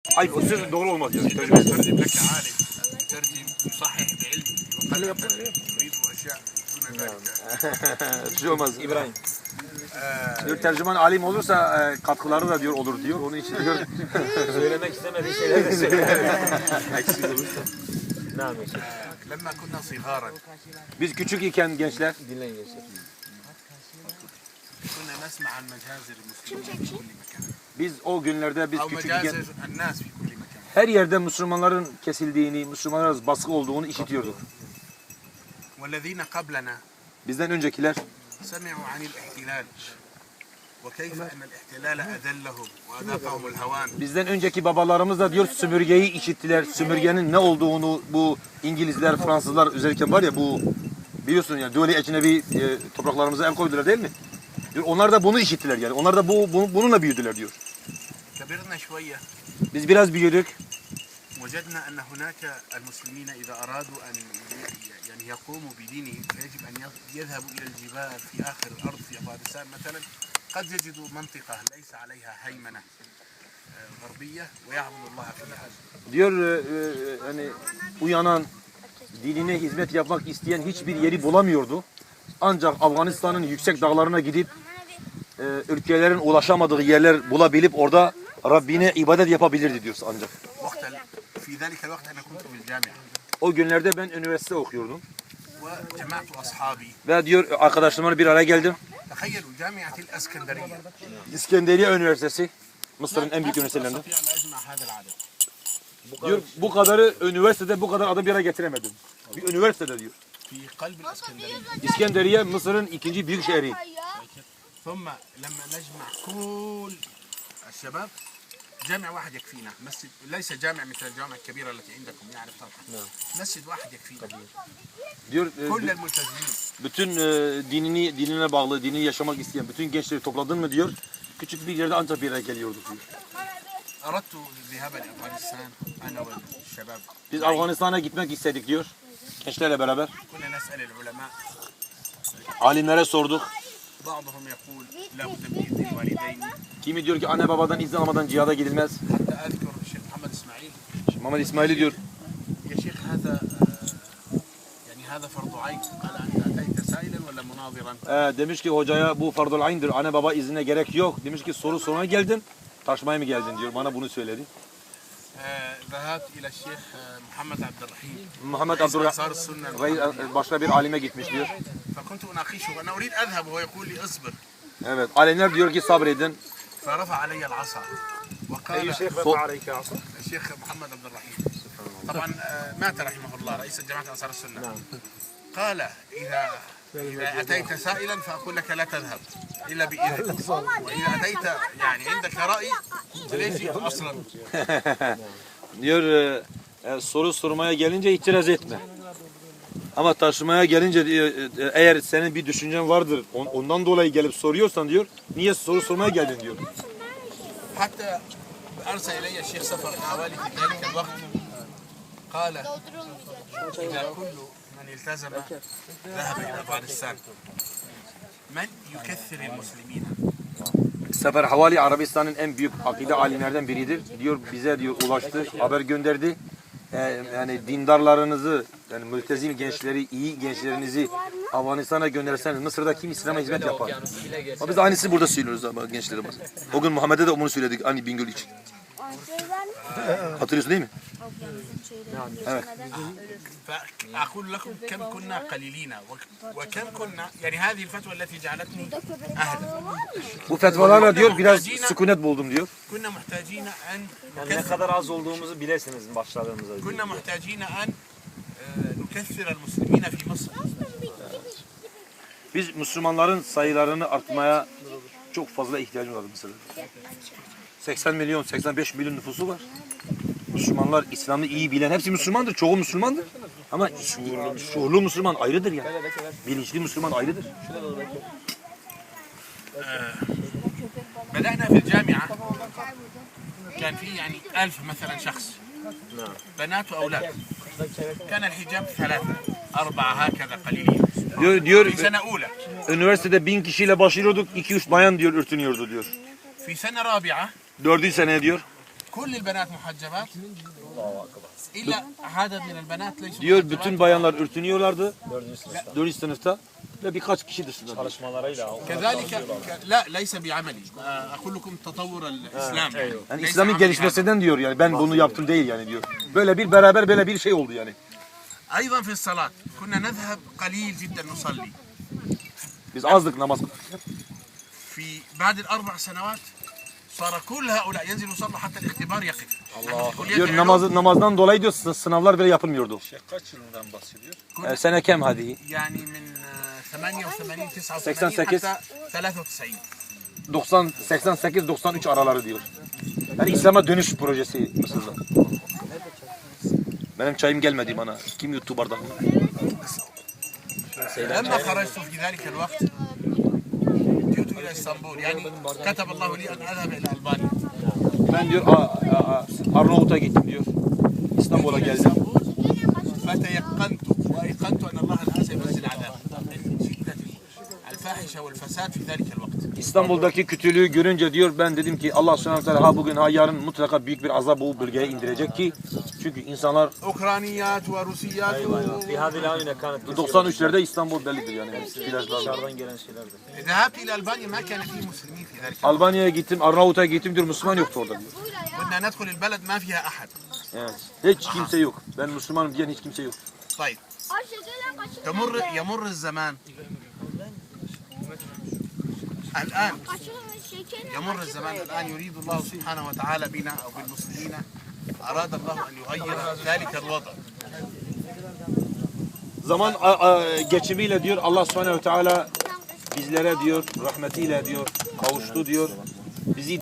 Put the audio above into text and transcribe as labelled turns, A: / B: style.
A: Hayır, o söz doğru olmaz yani.
B: يترجم لك عالم يترجم يصحح بعلمه وقد يريد اشياء دون ذلك.
A: Bir şey olmaz. İbrahim. Diyor tercüman alim olursa katkıları da diyor olur diyor. Onun için diyor.
C: Söylemek istemediği şeyler de söylüyor.
A: Eksik olursa.
C: Ne yapıyorsun?
B: لما كنا صغارا
A: Biz küçük iken gençler
C: Dinleyin gençler.
B: كنا نسمع عن مجازر المسلمين في كل مكان
A: biz o günlerde biz
B: او
A: küçük
B: مجازر
A: iken
B: الناس في كل مكان.
A: her yerde Müslümanların kesildiğini, Müslümanlara baskı olduğunu işitiyorduk.
B: والذين قبلنا
A: Bizden öncekiler
B: سمعوا عن الاحتلال وكيف ان الاحتلال اذلهم واذاقهم الهوان.
A: bizden önceki babalarımız da diyor sömürgeyi işittiler. Sömürgenin ne olduğunu bu İngilizler, Fransızlar özellikle var ya bu biliyorsun ya döle ecnebi topraklarımıza el koydular değil mi? Diyor, onlar da bunu işittiler yani. Onlar da bununla büyüdüler diyor.
B: كبرنا شويه
A: Biz biraz büyüdük.
B: وجدنا ان هناك المسلمين اذا ارادوا ان يعني يقوموا بدينهم فيجب ان يذهبوا الى الجبال في اخر الارض في افغانستان مثلا قد يجدوا منطقه ليس عليها هيمنه غربيه ويعبدوا الله فيها.
A: Diyor hani uyanan dinine hizmet yapmak isteyen hiçbir yeri bulamıyordu. Ancak Afganistan'ın yüksek dağlarına gidip ülkelerin ulaşamadığı yerler bulabilip orada Rabbine ibadet yapabilirdi diyor ancak.
B: في ذلك الوقت انا كنت بالجامعه
A: O günlerde ben üniversite okuyordum.
B: وجمعت اصحابي.
A: Ve diyor arkadaşlarımla bir araya geldim.
B: تخيلوا جامعه الاسكندريه
A: İskenderiye Üniversitesi, Mısır'ın en büyük üniversitelerinden.
B: استطيع ان اجمع هذا العدد
A: Diyor bu kadarı üniversitede bu kadar adam bir araya getiremedim. Bir üniversitede diyor.
B: في قلب الاسكندريه.
A: İskenderiye Mısır'ın ikinci büyük şehri.
B: ثم لما نجمع كل الشباب جامع واحد يكفينا مسجد ليس جامع مثل الجامع الكبيرة التي عندكم يعني طبعا مسجد واحد يكفينا
A: Diyor
B: كل الملتزمين.
A: bütün dinine bağlı, dinini yaşamak isteyen bütün gençleri topladın mı diyor. Küçük bir yerde ancak bir araya geliyorduk diyor.
B: أردت الذهاب لأفغانستان أنا والشباب.
A: Biz Afganistan'a gitmek istedik diyor. Gençlerle beraber.
B: كنا نسأل العلماء
A: Alimlere sorduk.
B: بعضهم يقول لا بد من إذن الوالدين.
A: Kimi diyor ki anne babadan izin almadan cihada gidilmez.
B: حتى أذكر الشيخ محمد إسماعيل
A: Muhammed İsmail'i diyor.
B: يا شيخ هذا يعني هذا فرض عين قال أنت أتيت سائلا ولا مناظرا.
A: Demiş ki hocaya bu fardul ayn'dir. Anne baba iznine gerek yok. Demiş ki soru sormaya geldin. Tartışmaya mı geldin diyor. Bana bunu söyledi.
B: ذهبت إلى الشيخ محمد عبد الرحيم.
A: Muhammed
B: أنصار
A: Abdurrahman
B: السنة.
A: başka bir alime gitmiş diyor.
B: فكنت أناقشه أنا أريد أذهب وهو يقول لي اصبر.
A: Evet. Alimler diyor ki sabredin.
B: فرفع علي العصا وقال
C: أي شيخ رفع عليك عصا؟
B: الشيخ محمد عبد الرحيم طبعا مات رحمه الله رئيس جماعة أنصار السنة. قال إذا أتيت سائلا فأقول لك لا تذهب إلا بإذن وإذا أتيت يعني عندك رأي فليش جئت أصلا.
A: Diyor soru sormaya gelince itiraz etme. Ama taşımaya gelince eğer senin bir düşüncen vardır ondan dolayı gelip soruyorsan diyor niye soru sormaya geldin diyor.
B: حتى أرسل إلي الشيخ سفر حوالي في ذلك الوقت قال إذا كل من التزم ذهب إلى أفغانستان من يكثر المسلمين.
A: Sefer Havali Arabistan'ın en büyük akide alimlerden biridir. Diyor bize diyor ulaştı, haber gönderdi. Yani dindarlarınızı, yani mültezim gençleri, iyi gençlerinizi Afganistan'a gönderirseniz Mısır'da kim İslam'a hizmet yapar? Ama biz aynısı burada söylüyoruz ama gençlerimiz. O gün Muhammed'e de bunu söyledik aynı Bingöl için. Hatırlıyorsun değil mi? Evet.
B: فأقول لكم كم كنا قليلين وكم كنا يعني هذه الفتوى التي جعلتني أهدى.
A: Bu fetvalarla diyor biraz sükunet buldum diyor.
B: كنا محتاجين أن
C: Yani ne kadar az olduğumuzu bilesiniz başladığımızda.
B: كنا محتاجين أن نكثر المسلمين في مصر.
A: Biz Müslümanların sayılarını artmaya çok fazla ihtiyacımız var Mısır'da. 80 milyon, 85 milyon nüfusu var. Müslümanlar İslam'ı iyi bilen, hepsi Müslümandır, çoğu Müslümandır. Ama şuurlu Müslüman ayrıdır ya. Bilinçli Müslüman ayrıdır.
B: بدأنا في الجامعة كان في يعني 1000 مثلا شخص بنات وأولاد كان الحجاب 3 4 هكذا قليلين.
A: Diyor
B: في سنة أولى.
A: üniversitede 1000 kişiyle başlıyorduk, 2-3 bayan diyor örtünüyordu diyor.
B: في سنة رابعة
A: 4. sene diyor.
B: كل البنات محجبات إلا عدد من البنات ليسوا
A: Diyor
B: محجبات.
A: bütün bayanlar örtünüyorlardı
C: 4. sınıfta.
A: 4. sınıfta ve birkaç kişi dışında. diyor.
C: Çalışmalarıyla.
B: كذلك لا ليس بعملي أقول لكم تطور الإسلام
A: Yani
B: ليس
A: İslam'ın
B: عملي
A: gelişmesinden diyor yani ben bunu yaptım değil yani diyor. Böyle bir beraber böyle bir şey oldu yani.
B: هذا. أيضا في الصلاة كنا نذهب قليل جدا نصلي
A: Biz azdık namaz.
B: في بعد الأربع سنوات صار كل هؤلاء ينزل يصلوا حتى الاختبار يقف
A: Diyor namazdan dolayı diyor sınavlar bile yapılmıyordu.
D: Kaç yılından bahsediyor?
A: Sene kem hadi.
B: يعني من 88 89
A: 88
B: حتى 93
A: 90 88 93 araları diyor. Yani İslam'a dönüş projesi Mısır'da. Benim çayım gelmedi bana. Kim yuttu bardağımı?
B: لما خرجت في ذلك الوقت جئت إلى اسطنبول يعني كتب الله لي أن أذهب إلى ألبانيا
A: Ben diyor Arnavut'a gittim diyor. İstanbul'a geldim.
B: فتيقنت وأيقنت أن الله الآن سينزل عذاب من شدة الفاحشة والفساد في ذلك الوقت.
A: İstanbul'daki kötülüğü görünce diyor ben dedim ki Allah subhanahu wa ta'ala ha bugün ha yarın mutlaka büyük bir azap bu bölgeye indirecek ki çünkü insanlar
B: أوكرانيات وروسيات
C: في هذه الآونة كانت
A: 93'lerde İstanbul bellidir yani.
C: dışarıdan gelen şeylerdi.
B: ذهبت إلى ألبانيا ما كان فيه مسلمين في ذلك الوقت.
A: Albanya'ya gittim, Arnavut'a gittim diyor Müslüman yoktu orada diyor.
B: كنا ندخل البلد ما فيها أحد.
A: Evet. Hiç kimse yok. Ben Müslümanım diyen hiç kimse yok.
B: طيب يمر الزمان الآن يمر الزمان الآن يريد الله سبحانه وتعالى بنا أو بالمسلمين أراد الله أن يغير ذلك الوضع.
A: Zaman geçimiyle diyor Allah subhanehu ve teala bizlere diyor rahmetiyle diyor kavuştu diyor. Bizi